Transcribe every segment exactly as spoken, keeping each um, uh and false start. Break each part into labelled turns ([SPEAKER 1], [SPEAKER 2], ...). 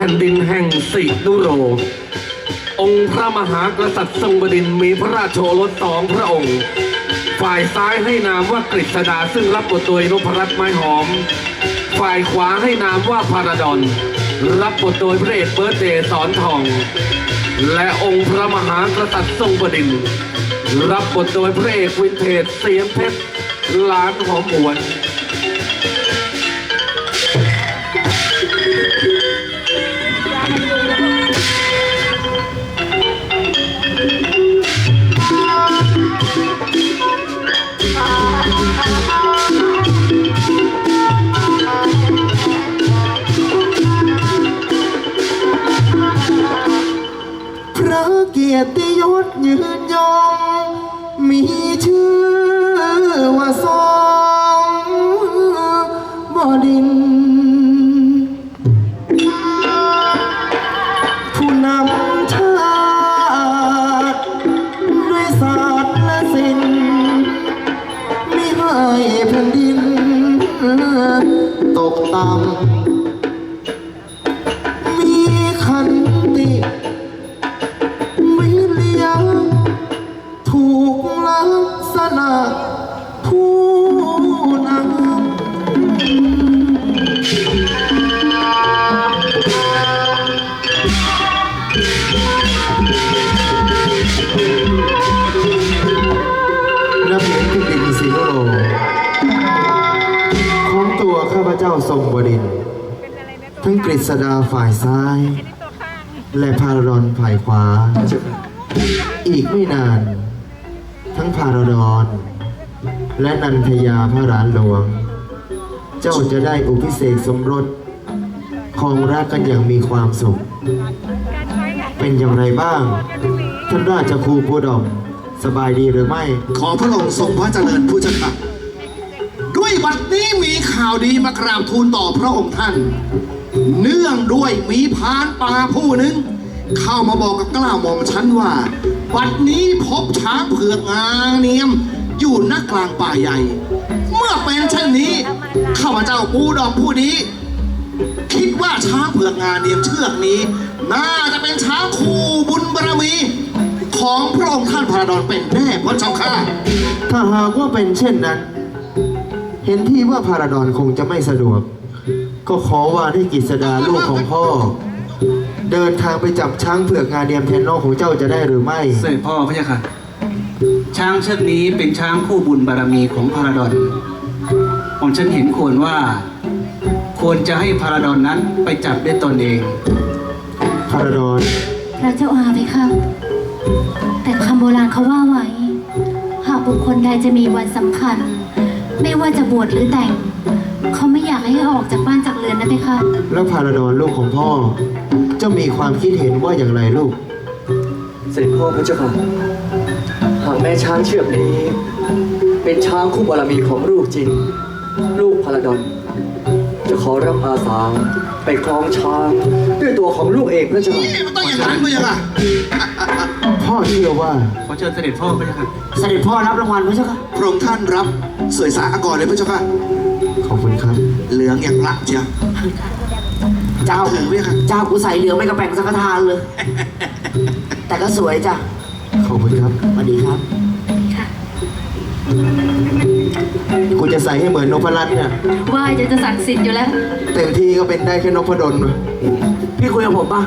[SPEAKER 1] แผ่นดินแห่งสินุโรองค์พระมหากษัตริย์ทรงบดินทร์มีพระราชโอรสสองพระองค์ฝ่ายซ้ายให้นามว่ากฤษดาซึ่งรับบทโดยนพรัตน์ไม้หอมฝ่ายขวาให้นามว่าพาราดอนรับบทโดยพระเอกเบิร์ตเดย์สอนทองและองค์พระมหากษัตริย์ทรงบดินทร์รับบทโดยพระเอกวินเทจเสียงเพชรล้านหอมหวน
[SPEAKER 2] เกียรติยศยืนยงมีชื่อว่าทรงบดินทร์ผู้นำชาติด้วยศาสตร์และศิลป์มิให้แผ่นดินตกต่ำมีขันติถูกลักษณะผู้นำนับเห็นที่ดินสิโนโรของตัวข้าพเจ้าทรงบดินทร์ทั้งกฤษดาฝ่ายซ้ายและพาราดอนฝ่ายขวาอีกไม่นานทั้งพาราดอนและนันทยาพระหลานหลวงเจ้าจะได้อุพิเศษสมรสครองรักกันอย่างมีความสุขเป็นอย่างไรบ้างท่านราชครูผู้ดมสบายดีหรือไม่
[SPEAKER 3] ขอพระองค์ทรงพระเจริญผู้เจ้าค่ะด้วยบัดนี้มีข่าวดีมากราบทูลต่อพระองค์ท่านเนื่องด้วยมีพรานป่าผู้หนึ่งเข้ามาบอกกับกล้าหม่อมฉันว่าบัดนี้พบช้างเผือกงาเนียมอยู่ณกลางป่าใหญ่เมื่อเป็นเช่นนี้ข้าพเจ้าปูดอกผู้นี้คิดว่าช้างเผือกงาเนียมเชือกนี้น่าจะเป็นช้างคู่บุญบารมีของพระองค์ท่านพระดอนเป็นแน่พระเจ้าค่ะ
[SPEAKER 2] ถ้าหากว่าเป็นเช่นนั้นเห็นที่ว่าพาราดอนคงจะไม่สะดวกก็ขอว่าให้กฤษดาลูกของพ่อเดินทางไปจับช้างเผือกงาเนียมแทนน้องของเจ้าจะได้หรือไม่
[SPEAKER 4] เสด็จพ่อพระเจ้าค่ะช้างเชือกนี้เป็นช้างคู่บุญบารมีของพาราดอนผมฉันเห็นควรว่าควรจะให้พาราดอนนั้นไปจับด้วยตนเอง
[SPEAKER 2] พาราดอน
[SPEAKER 5] พระเจ้าอาไหมคะแต่คำโบราณเขาว่าไว้หากบุคคลใดจะมีวันสำคัญไม่ว่าจะบวชหรือแต่งเขาไม่อยากให้ออกจากบ้านจากเรือนนะเพคะ
[SPEAKER 2] แล้วพาราดอนลูกของพ่อจะมีความคิดเห็นว่าอย่างไรลูก
[SPEAKER 6] เสด็จพ่อพระเจ้าค่ะหากแม่ช้างเชือกนี้เป็นช้างคู่บารมีของลูกจริงลูกพาราดอนจะขอรับอาสาไปคล้องช้างด้วยตัวของลูกเองพระเจ้าค่ะ
[SPEAKER 3] มันต้องอย่างนั้นพระเจ้าค่ะ
[SPEAKER 2] พ่อเชื่อว่า
[SPEAKER 4] ขอเชิญเสด็จพ่อพระเจ้าค่ะ
[SPEAKER 2] เสด็จพ่อรับรางวัลพระเจ้าค่ะ
[SPEAKER 3] พระองค์ท่านรับสวยสาอากรเลยพระเจ้าค่ะ
[SPEAKER 2] ขอบคุณครับ
[SPEAKER 3] เหลืองอย่างละเจ้า
[SPEAKER 7] เจ้าเจ้ากูใส่เหลืองไม่กระแปงสักทางเลยแต่ก็สวยจ้ะ
[SPEAKER 2] ขอบคุณครับ
[SPEAKER 7] สวัสดีครับ
[SPEAKER 2] กูจะใส่ให้เหมือนนพรัตน์เนี่ย
[SPEAKER 5] ว่าจะจะศักดิ์สิทธิ์อยู่แล้ว
[SPEAKER 2] เต็มที่ก็เป็นได้แค่นพดล
[SPEAKER 7] พี่คุยกับผมป่ะ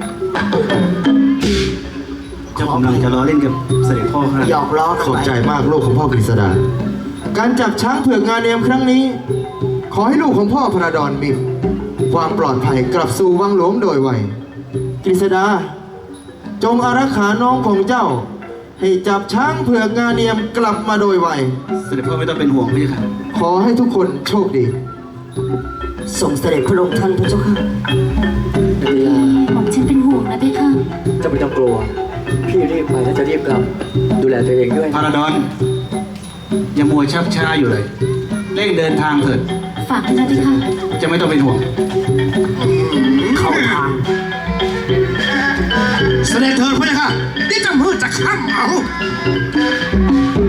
[SPEAKER 4] เจ้ากำลังจะล้อเล่นกับเสด็จพ่อครับ
[SPEAKER 7] หยอกล้อ
[SPEAKER 2] ขอบใจมากลูกของพ่อกฤษดาการจับช้างเผือกงาเนียมครั้งนี้ขอให้ลูกของพ่อพระดอนมีความปลอดภัยกลับสู่วังหลวงโดยไวกฤษดาจงอารักขาน้องของเจ้าให้จับช้างเผือกงาเนียมกลับมาโดยไว
[SPEAKER 4] เสด็จพ่อไม่ต้องเป็นห่วงพี่ค่ะ
[SPEAKER 2] ขอให้ทุกคนโชคดี
[SPEAKER 7] ส่งเสด็จพระองค์ท่านพระเจ้าค่ะ
[SPEAKER 5] เวลาผมฉันเป็นห่วงนะเพคะ
[SPEAKER 6] จะไม่ต้องกลัวพี่รีบไปแล้วจะรีบกลับดูแลตัวเองด้วย
[SPEAKER 4] พาราดอนอย่ามัวชักช้าอยู่เลยเร่งเดินทางเถิด
[SPEAKER 5] ฝากด้วยนะเพคะ
[SPEAKER 4] จะไม่ต้องเป็นห่วง
[SPEAKER 7] เข้าทาง
[SPEAKER 3] เสด็จเถิดพระเจ้าค่ะนี่จะมืดจะค่ำเอา